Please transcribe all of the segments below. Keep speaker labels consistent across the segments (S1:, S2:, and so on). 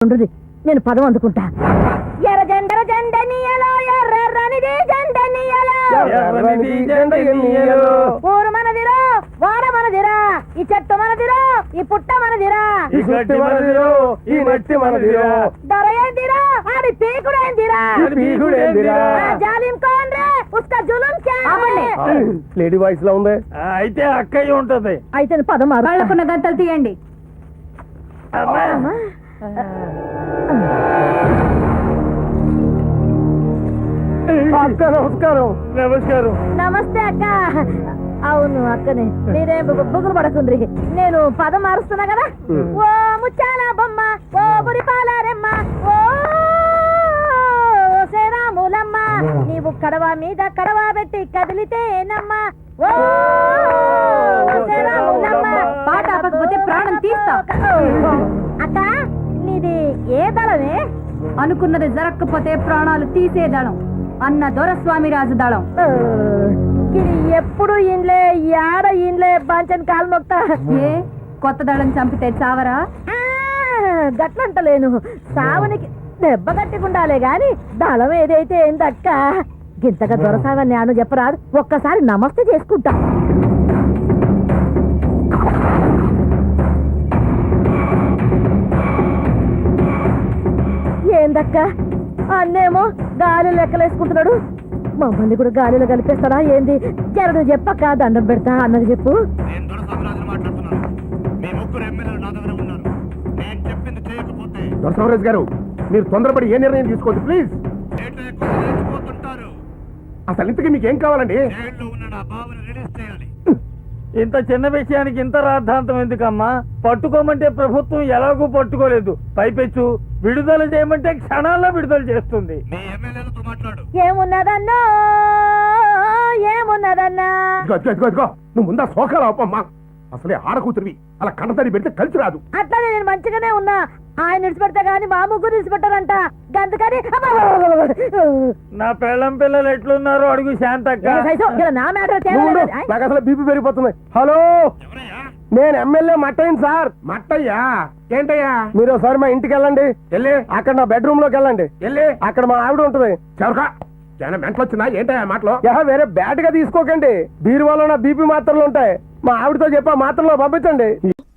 S1: ఉండు, నేను పదం అందుకుంటా. ఎర్ర జెండర జెండనియలో ఎర్రనిది జెండనియలో ఊరు మనదిరో వాడ మనదిరా ఈ చెట్టు మనదిరో ఈ పుట్ట మనదిరా
S2: ఈ గట్టి మనదిరో ఈ మట్టి మనదిరో
S1: దొర ఏందిరా ఆడి పీకుడేందిరా జాలిం కౌన్ రే ఉస్కా జులుం క్యా హై?
S2: లేడీ వాయిస్ లో ఉంది.
S3: అయితే అక్కయ్య ఉంటది.
S1: అయితే పదం వాళ్ళకున్న గంటలు తీయండి.
S2: అక్క నమస్కారం.
S3: నమస్కారం.
S1: నమస్తే అక్క. అవును అక్కనే, మీరేం బుగులు పడకుండ్రి, నేను పదం మారుస్తున్నా కదా. ఓ ముచ్చాల బొమ్మ ఓ బురిపాలరెమ్మ ఓ శ్రీరాములమ్మ నీవు కడవ మీద కడవ పెట్టి కదిలితేనమ్మ ఓ శ్రీరాములమ్మ. పాట ఆపకపోతే ప్రాణం తీస్తా. అక్క నీది ఏ దళమే? అనుకున్నది జరగకపోతే ప్రాణాలు తీసే దళం అన్న దొరస్వామి రాజు దళం. ఎప్పుడు ఇండ్లే యాడ ఇండ్లే బాంచన్ కాలు మొక్తా. ఏ కొత్త దళం చంపితే చావరా? గట్లంటలేను, సావనికి దెబ్బ గట్టికుండాలే గాని దళం ఏదైతే ఏందక్క. గింతగా దొరసావని అను చెప్పరాదు, ఒక్కసారి నమస్తే చేసుకుంటా. ఏందక్క అన్నేమో గాలి లెక్కలేసుకుంటున్నాడు, మమ్మల్ని కూడా గాలిలో కలిపేస్తారా ఏంది? జరడు చెప్పక్క, దండం పెడతా అన్నది చెప్పు.
S2: దొరసరాజు గారు, మీరు తొందరపడి ఏ నిర్ణయం తీసుకోవద్దు ప్లీజ్. అసలు ఇంతకీ మీకు ఏం కావాలండి?
S3: ఇంత చిన్న విషయానికి ఇంత రాద్ధాంతం ఎందుకమ్మా? పట్టుకోమంటే ప్రభుత్వం ఎలాగూ పట్టుకోలేదు, పైపెచ్చు విడుదల చేయమంటే క్షణాల్లో విడుదల చేస్తుంది.
S1: ఏమున్నదన్నా ఏమున్నదన్నా?
S2: నువ్వు ముందా సోకాలు ఆపమ్మా. అసలే ఆడకూతురివి, అలా కన్నతడి పెడితే కలిసి రాదు.
S1: అట్లానే నేను మంచిగానే ఉన్నా, ఆయన విడిచిపెడతా గాని మా ముగ్గురు విడిచిపెట్టారంట. గంతకని
S3: నా పెళ్ళం పిల్లలు ఎట్లున్నారో అడుగు శాంతక్క.
S1: నా మ్యాటర్
S2: నాకు అసలు బీపీ పెరిగిపోతుంది. హలో, నేను ఎమ్మెల్యే మట్టయ్యను సార్. మట్టయ్యా? ఏంటయ్యా? మీరు ఒకసారి మా ఇంటికి వెళ్ళండి, వెళ్ళి అక్కడ నా బెడ్రూమ్ లోకి వెళ్ళండి, వెళ్ళి అక్కడ మా ఆవిడ ఉంటుంది. చవక ఏమైనా మెంటలు వచ్చిందా ఏంటయ్యా మాటలో? వేరే బ్యాడ్ గా తీసుకోకండి, బీరువాలో నా బీపీ మాత్రలు ఉంటాయి. మా ఆవిడతో చెప్పి ఆ మాత్రలో పంపించండి.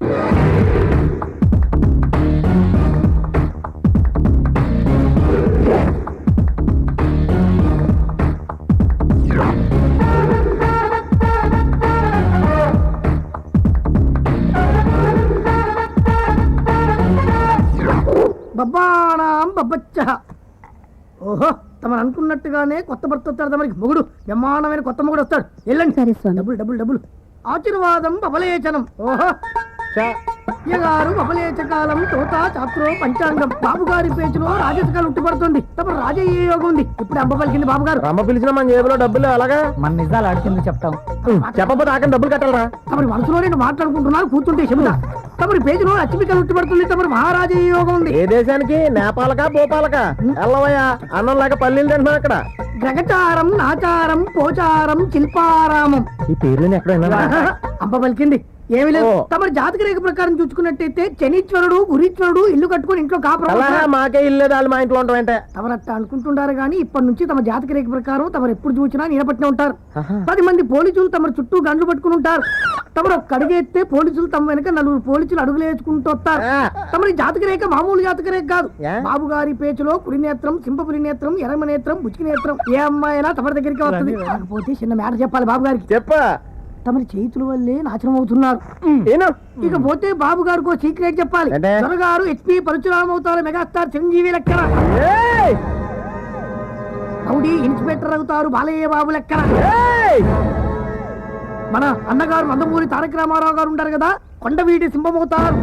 S4: బబ్బానాం బబ్బచ్చ. ఓహో, తమను అనుకున్నట్టుగానే కొత్త భర్త వస్తాడు, తమరికి మొగుడు బ్రహ్మాండమైన కొత్త మొగుడు వస్తాడు. వెళ్ళండి. సరే స్వామి. డబ్బులు డబ్బులు డబ్బులు. ఆశీర్వాదం బబలేచనం. ఓహో, గారు బబలేచకాలం తోత చాత్రో పంచాంగం. బాబు గారి పేచులో రాజసకాలు ఉట్టిపడుతుంది. తమ రాజయ్య యోగం ఉంది. ఇప్పుడు అంబ పలికింది బాబు గారు.
S2: అమ్మ పిలిచిన మన జేబులో డబ్బులు అలాగా?
S4: మన నిజాలు అడిగింది చెప్తాం.
S2: చెప్పబోతే ఆకని డబ్బులు కట్టాలరా?
S4: తమరి మనసులో నేను మాట్లాడుకుంటున్నారు, కూర్చుంటే చెబుతా. తమరి పేజీలో లక్ష్మికలు ఉట్టిపడుతుంది. తమరి మహారాజయ్య యోగం ఉంది.
S2: ఏ దేశానికి? నేపాలకా భోపాలకా? ఎల్లవయ్యా, అన్నం లేక పల్లీలు తింటున్నావు అక్కడ.
S4: గ్రగచారం నాచారం పోచారం శిల్పారామం.
S2: ఈ పేర్లు ఎక్కడైనా?
S4: అంబ పలికింది. ఏమి లేదు, తమరి జాతక రేఖ ప్రకారం చూసుకున్నట్టయితే శనీశ్వరుడు గురీశ్వరుడు ఇల్లు కట్టుకుని ఇంట్లో కాపురం.
S2: మాకే ఇల్లు వాళ్ళు మా ఇంట్లో ఉంటాయంటే
S4: తమరు అట్లా అనుకుంటుంటారు గానీ ఇప్పటి నుంచి తమ జాతక రేఖ ప్రకారం తమరు ఎప్పుడు చూసినా నిలబట్టిన ఉంటారు. 10 మంది పోలీసులు తమ చుట్టూ గండ్లు పట్టుకుని ఉంటారు. తమరు ఒక్క అడుగేస్తే పోలీసులు తమ వెనక 4 పోలీసులు అడుగులు వేసుకుంటూ వస్తారు. తమరి జాతక రేఖ మామూలు జాతక రేఖ కాదు. బాబు గారి పేచులో కుడి నేత్రం, సింహపురి నేత్రం, ఎర్రమ నేత్రం, బుచ్చికి నేత్రం. ఏ అమ్మాయినా తమరి దగ్గరికి వస్తుంది. కాకపోతే చిన్న మ్యాటర్ చెప్పాలి బాబు గారికి.
S2: చెప్పా.
S4: తమరి చేతుల వల్లే నాశనం అవుతున్నారు. ఇకపోతే బాబు గారికి సీక్రెట్ చెప్పాలి. త్వరగారు HP పరశురామ అవుతారు, మెగాస్టార్ చిరంజీవి లెక్కన. రౌడీ ఇన్స్పెక్టర్ అవుతారు, బాలయ్య బాబు లెక్కన. మన అన్నగారు నందమూరి తారక రామారావు గారు ఉంటారు కదా, కొండవీటి సింహం అవుతారు.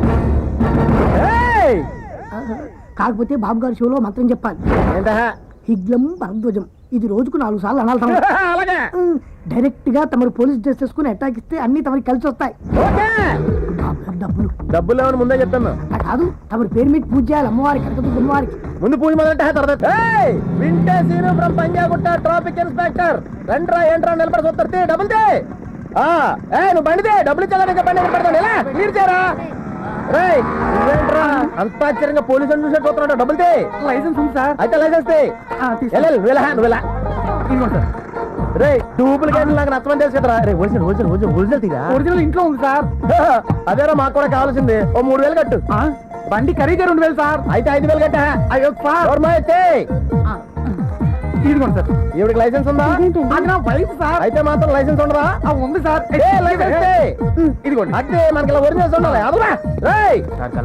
S4: కాకపోతే బాబు గారి షోలో మంత్రం చెప్పాలి. హిగ్లం భరద్వజం. ఇది రోజుకు 4 సార్లు అనాలి. డైరెక్ట్ గా తమరు పోలీస్ డ్రెస్ చేసుకుని అటాక్ ఇస్తే అన్ని తమరికి కలిసి వస్తాయి. డబ్బులు
S2: డబ్బులు ఏమని ముందే చెప్తాను
S4: కాదు, తమరి పేరు మీద పూజ చేయాలి అమ్మవారికి, కనకదుర్గ అమ్మవారికి.
S2: ముందు పూజ మొదలంటే వింటే scene from Panjagutta traffic inspector. రండ్రా ఏంట్రా నిలబడి చూస్తారు, డబ్బులు తే. నువ్వు బండిదే, డబ్బులు ఇచ్చేదా బండి పెడతాను. ఎలా క్లియర్ చేయరా? రేయ్, నువ్వేంట్రా అంత ఆశ్చర్యంగా పోలీసు అని చూసే చూస్తున్నాడు? డబ్బులు తే.
S4: లైసెన్స్ ఉంది సార్.
S2: అయితే లైసెన్స్ తే. నువ్వెలా
S4: ఇదిగోండి సార్.
S2: రే డూప్లికేట్ నాకు నచ్చమని తెలుసు కదరా. రే ఒరిజినల్ తీరా.
S4: ఒరిజినల్ ఇంట్లో ఉంది సార్.
S2: అదేరా మాకు కూడా కావాల్సింది. ఓ 3000 కట్టు.
S4: బండి ఖరీదే 2000 సార్.
S2: అయితే 5000 కట్టా.
S4: అయ్యో సార్.
S2: అయితే
S4: ఇదిగోండి సార్.
S2: ఈవిడికి లైసెన్స్ ఉందా?
S4: అది నా వైఫ్ సార్.
S2: అయితే మాత్రం లైసెన్స్ ఉండదా?
S4: ఉంది సార్.
S2: లైసెన్స్ తే.
S4: ఇదిగోండి.
S2: అంటే మనకి ఇలా ఒరిజినల్స్ ఉండాలి. అదురా రేయ్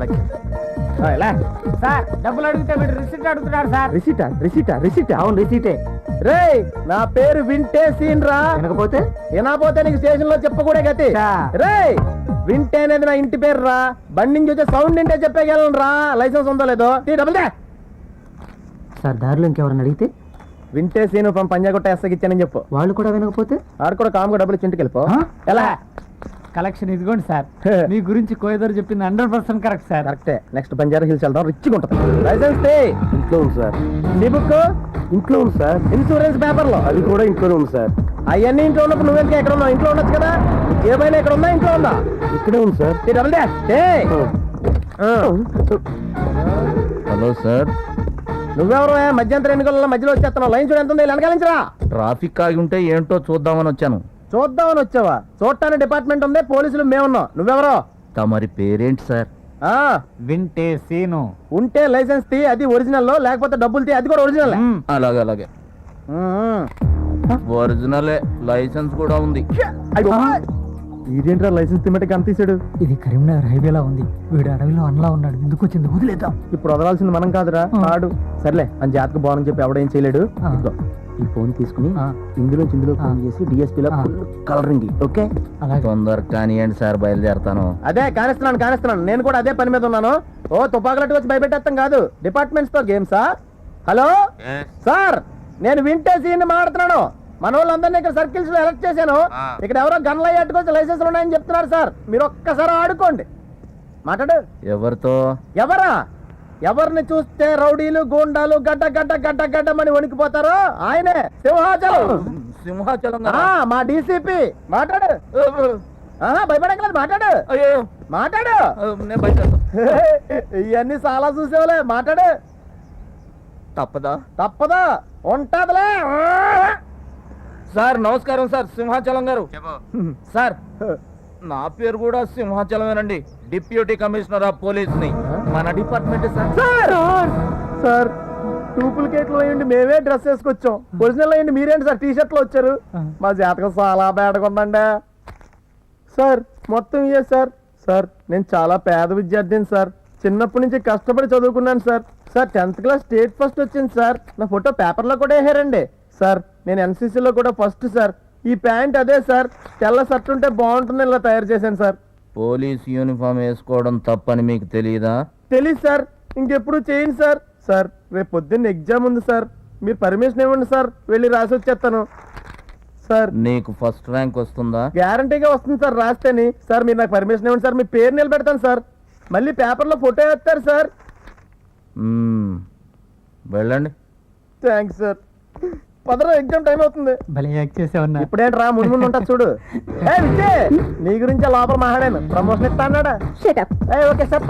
S4: సార్ డబ్బులు అడిగితే వీడు రిసిప్ట్ అడుగుతున్నారు సార్.
S2: రిసీటా అవును రిసీటే. రేయ్ నా పేరు వింటే సీన్ రా.
S4: వినకపోతే
S2: నీకు స్టేషన్ లో చెప్పకూడే గతి. రేయ్ వింటే అనేది నా ఇంటి పేరు రా. బండి నుంచి వచ్చే సౌండ్ వింటే చెప్పగలను రా లైసెన్స్ ఉందో లేదో. డబ్బులు తే.
S4: సార్ దారిలో ఇంకెవరన్నా అడిగితే
S2: వింటే సీను పంజాగుట్ట ఎస్సకి ఇచ్చానని చెప్పు.
S4: వాళ్ళు కూడా వినకపోతే
S2: ఆడు కూడా కామ్గా డబ్బులు ఇచ్చి ఇంటికి వెళ్ళిపో. ఎలా
S4: కలెక్షన్ ఇదిగోండి సార్. మీ గురించి కోయదరు చెప్పింది 100% కరెక్ట్ సార్.
S2: కరెక్టే. నెక్స్ట్ బంజారా హిల్స్ వెళ్దాం. రిచ్గా ఉంటుంది. లైసెన్స్ తే. ఇంట్లో ఉంది సార్. నీ బుక్ ఇంట్లో ఉంది సార్. ఇన్సూరెన్స్ పేపర్లో అది కూడా ఇంట్లోనే ఉంది సార్. అవన్నీ ఇంట్లో ఉన్నప్పుడు నువ్వెందుకు ఎక్కడ ఉన్నావు? ఇంట్లో ఉండొచ్చు కదా. ఏమైనా ఇక్కడ ఉందా? ఇంట్లో ఉందా? ఇక్కడే ఉంది సార్. డబుల్ దే.
S5: హలో సార్,
S2: నువ్వెవరు? మధ్యంతర ఎన్నికల మధ్యలో వచ్చేస్తున్నావు. లైన్ చూడ ఎంత ఉంది? వెనకాలించరా.
S5: ట్రాఫిక్ ఆగి ఉంటే ఏంటో చూద్దామని వచ్చాను.
S2: చూద్దామని వచ్చావా? చూడటానికి డిపార్ట్మెంట్ ఉంది, పోలీసులు మేమున్నాం. నువ్వెవరో?
S5: తమరి పేరేంటి సార్?
S4: వింటే సీను.
S2: ఉంటే లైసెన్స్ తీ, అది ఒరిజినల్. లేకపోతే డబ్బులు తీ, అది కూడా ఒరిజినల్.
S5: అలాగే ఒరిజినలే. లైసెన్స్ కూడా ఉంది.
S2: ఇదేంట్రా లైసెన్స్ తిమ్మటికి అంత తీసాడు?
S4: ఇది కరీంనగర్ హైవేలా ఉంది. వీడు అడవిలో అన్లా ఉన్నాడు. ఎందుకు వచ్చింది? వదిలేద్దాం.
S2: ఇప్పుడు వదలాల్సింది మనం కాదురా, ఆడు. సర్లే అని జాతకు బాగుందని చెప్పి ఎవడేం చేయలేడు. ఇదిగో, ఈ ఫోన్ తీసుకుని ఇందులో ఫోన్ చేసి డిఎస్పీలో కలరింగ్. ఓకే
S5: తొందర కానివ్వండి సార్, బయలుదేరతాను.
S2: అదే కానిస్తున్నాను. నేను కూడా అదే పని మీద ఉన్నాను. ఓ తుపాకులట్టు వచ్చి భయపెట్టేస్తాం కాదు. డిపార్ట్మెంట్స్ తో గేమ్సా? హలో సార్, నేను వింటే సీన్ మాట్లాడుతున్నాను. మన వాళ్ళందరినీ ఇక్కడ సర్కిల్స్ లో ఎలక్ట్ చేశాను. ఇక్కడ ఎవరో గన్లు అయ్యేట్టుకొచ్చి లైసెన్స్ ఉన్నాయని చెప్తున్నారు సార్. మీరు ఒక్కసారి ఆడుకోండి. మాట్లాడు.
S5: ఎవరితో?
S2: ఎవరిని చూస్తే రౌడీలు గూండాలు గడ్డమని వణికిపోతారో ఆయనే
S5: సింహాచలం.
S2: మా డీసీపీ. మాట్లాడు. భయపడగలదు. మాట్లాడు. ఇవన్నీ చాలా చూసేవాలే. మాట్లాడు. తప్పదా? ఉంటదిలే.
S5: సార్ నమస్కారం సార్, సింహాచలం గారు. సార్ నా పేరు కూడా సింహాచలమేనండి. డిప్యూటీ కమిషనర్ ఆఫ్ పోలీస్ ని, మన డిపార్ట్మెంట్
S2: సార్. డూప్లికేట్లు అయ్యండి మేమే డ్రెస్ వేసుకొచ్చాం. ఒరిజినల్ అయ్యండి మీరేంటి సార్ టీ-షర్ట్ లో వచ్చారు? మా జాతకం చాలా బేడగా ఉందండి సార్. మొత్తం ఇయ్యే సార్. నేను చాలా పేద విద్యార్థిని సార్. చిన్నప్పటి నుంచి కష్టపడి చదువుకున్నాను sir. 10th class state first వచ్చింది సార్. నా ఫోటో పేపర్లో కూడా వేసారండి సార్. నేను ఎన్సీసీలో కూడా ఫస్ట్ సార్. ఈ ప్యాంట్ అదే సార్. తెల్ల షర్ట్ ఉంటే బాగుంటుంది, ఇలా తయారు చేశాను సార్.
S5: పోలీస్ యూనిఫామ్ వేసుకోవడం తప్పని మీకు తెలియదా?
S2: తెలీదు సార్. ఇంకెప్పుడు చేయండి సార్. రేపు పొద్దున్న ఎగ్జామ్ ఉంది సార్. మీరు పర్మిషన్ ఇవ్వండి సార్, వెళ్ళి రాసి వచ్చేస్తాను సార్.
S5: నీకు ఫస్ట్ ర్యాంక్ వస్తుందా?
S2: గ్యారంటీగా వస్తుంది సార్ రాస్తేని. సార్ మీరు నాకు పర్మిషన్ ఇవ్వండి సార్. మీ పేరు నిలబెడతాను సార్. మళ్ళీ పేపర్లో ఫోటో వేస్తారు సార్.
S5: వెళ్ళండి.
S2: Thanks sir. పదరా, ఎగ్జామ్ టైం అవుతుంది.
S4: భలే యాక్ట్ చేసావన్నా.
S2: ఇప్పుడేంట్రా ముందు ఉంటా చూడు. నీ గురించి లోపల మాట్లాడాను. ప్రమోషన్ ఇస్తా అన్నాడా? Okay sir.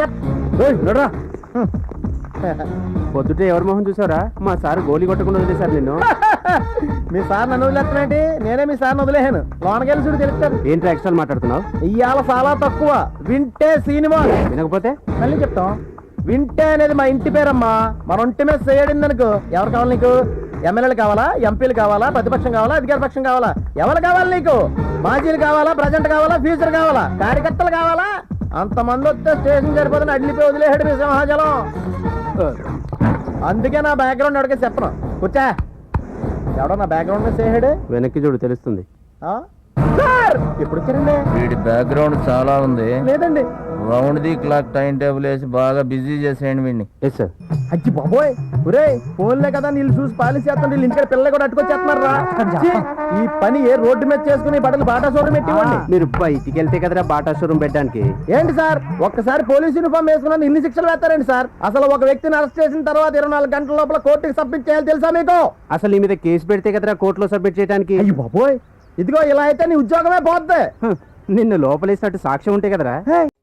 S6: పొద్దుటే ఎవరి మొహం చూసారా? మా సార్ గోలీ కొట్టకుండా వదిలేశారు నిన్ను.
S2: మీ సార్ నన్ను వదిలేస్తున్నాంటి? నేనే మీ సార్ని వదిలేసాను. లోనకెళ్ళి చూడు తెలుస్తారు.
S6: ఏంటి ఎక్స్ట్రా మాట్లాడుతున్నావు?
S2: ఇవాళ చాలా తక్కువ. వింటే సినిమా.
S6: వినకపోతే
S2: మళ్ళీ చెప్తాం. వింటే అనేది మా ఇంటి పేరమ్మా. మన ఒంటి మీద చేయడింది అనుకో. ఎవరు కావాలి నీకు? ఎమ్మెల్యేలు కావాలా? ఎంపీలు కావాలా? ప్రతిపక్షం కావాలా? అధికార పక్షం కావాలా? ఎవరు కావాలి నీకు? మాజీలు కావాలా? ప్రజెంట్ కావాలా? ఫ్యూచర్ కావాలా? కార్యకర్తలు కావాలా? అంతమంది వస్తే స్టేషన్ సరిపోతుంది. అడ్లిపోయి వదిలేసాడు మీ సింహాచలం. అందుకే నా బ్యాక్గ్రౌండ్ ఎవరికే చెప్పను. కూర్చా. ఎవడో నా బ్యాక్గ్రౌండ్ మీద చేసాడు.
S6: వెనక్కి చూడు తెలుస్తుంది.
S2: సార్ ఎప్పుడు వచ్చారండి?
S5: వీడి బ్యాక్గ్రౌండ్ చాలా ఉంది.
S2: లేదండి.
S5: Round the clock time table వేసి బాగా బిజీ చేసేయండి వీడిని.
S6: Yes sir.
S2: అచ్చి బాబోయ్, ఒరే ఫోన్లే కదా నీళ్ళు చూసి పాలిసి చేస్తుంటే వీళ్ళు ఇంటికి పిల్లలు కూడా అట్టుకొచ్చేస్తున్నారా? ఈ పని ఏ రోడ్డు మీద చేసుకుని బట్టలు బాటా షోరూమ్ పెట్టివ్వండి.
S6: మీరు బయటికి వెళ్తే కదరా బాటా షోరూమ్ పెట్టడానికి.
S2: ఏంటి సార్, ఒక్కసారి పోలీస్ యూనిఫామ్ వేసుకున్నాను ఇన్ని శిక్షలు వేస్తారండి సార్? అసలు ఒక వ్యక్తిని అరెస్ట్ చేసిన తర్వాత 24 గంటల లోపల కోర్టుకి సబ్మిట్ చేయాలి, తెలుసా మీకు?
S6: అసలు నీ మీద కేసు పెడితే కదరా కోర్టులో సబ్మిట్ చేయడానికి.
S2: అయ్యి బాబోయ్, ఇదిగో ఇలా అయితే నీ ఉద్యోగమే పోద్ది.
S6: నిన్ను లోపలేసినట్టు సాక్ష్యం ఉంటే కదరా.